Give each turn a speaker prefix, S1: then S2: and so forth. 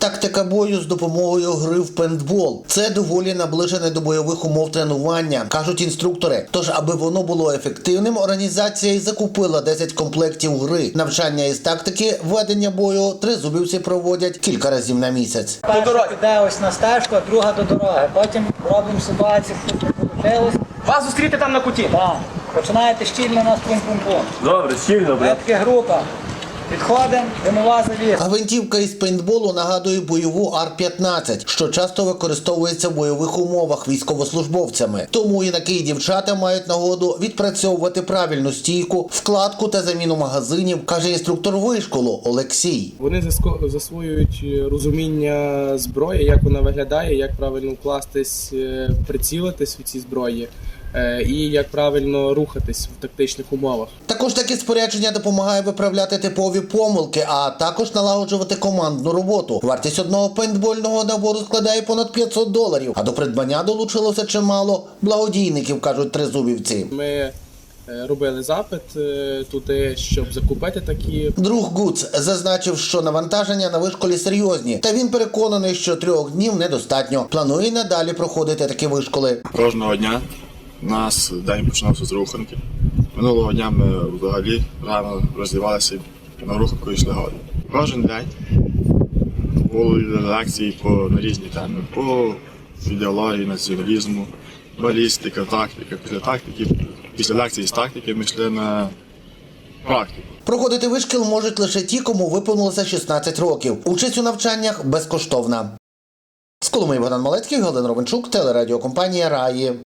S1: Тактика бою з допомогою гри в пейнтбол – це доволі наближене до бойових умов тренування, кажуть інструктори. Тож, аби воно було ефективним, організація й закупила 10 комплектів гри. Навчання із тактики ведення бою тризубівці проводять кілька разів на місяць.
S2: Перша піде ось на стежку, а друга до дороги. Потім робимо ситуацію, що вийшло.
S3: Вас зустріти там на куті?
S2: Так. Починаєте щільно нас пум-пум-пум.
S3: Добре, щільно, брат.
S2: Таке група. Підходимо, димова завіса.
S1: Гвинтівка із пейнтболу нагадує бойову АР-15, що часто використовується в бойових умовах військовослужбовцями. Тому юнаки і дівчата мають нагоду відпрацьовувати правильну стійку, вкладку та заміну магазинів, каже інструктор вишколу Олексій.
S4: Вони засвоюють розуміння зброї, як вона виглядає, як правильно вкластись, прицілитись у цій зброї і як правильно рухатись в тактичних умовах.
S1: Також таке спорядження допомагає виправляти типові помилки, а також налагоджувати командну роботу. Вартість одного пейнтбольного набору складає понад $500, а до придбання долучилося чимало благодійників, кажуть тризубівці.
S4: Ми робили запит туди, щоб закупити такі.
S1: Друг Гуц зазначив, що навантаження на вишколі серйозні, та він переконаний, що 3 днів недостатньо. Планує надалі проходити такі вишколи.
S5: Кожного дня у нас день починався з руханки. Минулого дня ми взагалі рано роздівалися і на руханку йшли годи. Кожен день були лекції на різні теми, по ідеології, націоналізму, балістика, тактика. Після лекції з тактики ми йшли на практику.
S1: Проходити вишкіл можуть лише ті, кому виповнилося 16 років. Участь у навчаннях безкоштовна. З Коломиї Богдан Малецький, Галина Ровенчук, телерадіокомпанія «Раї».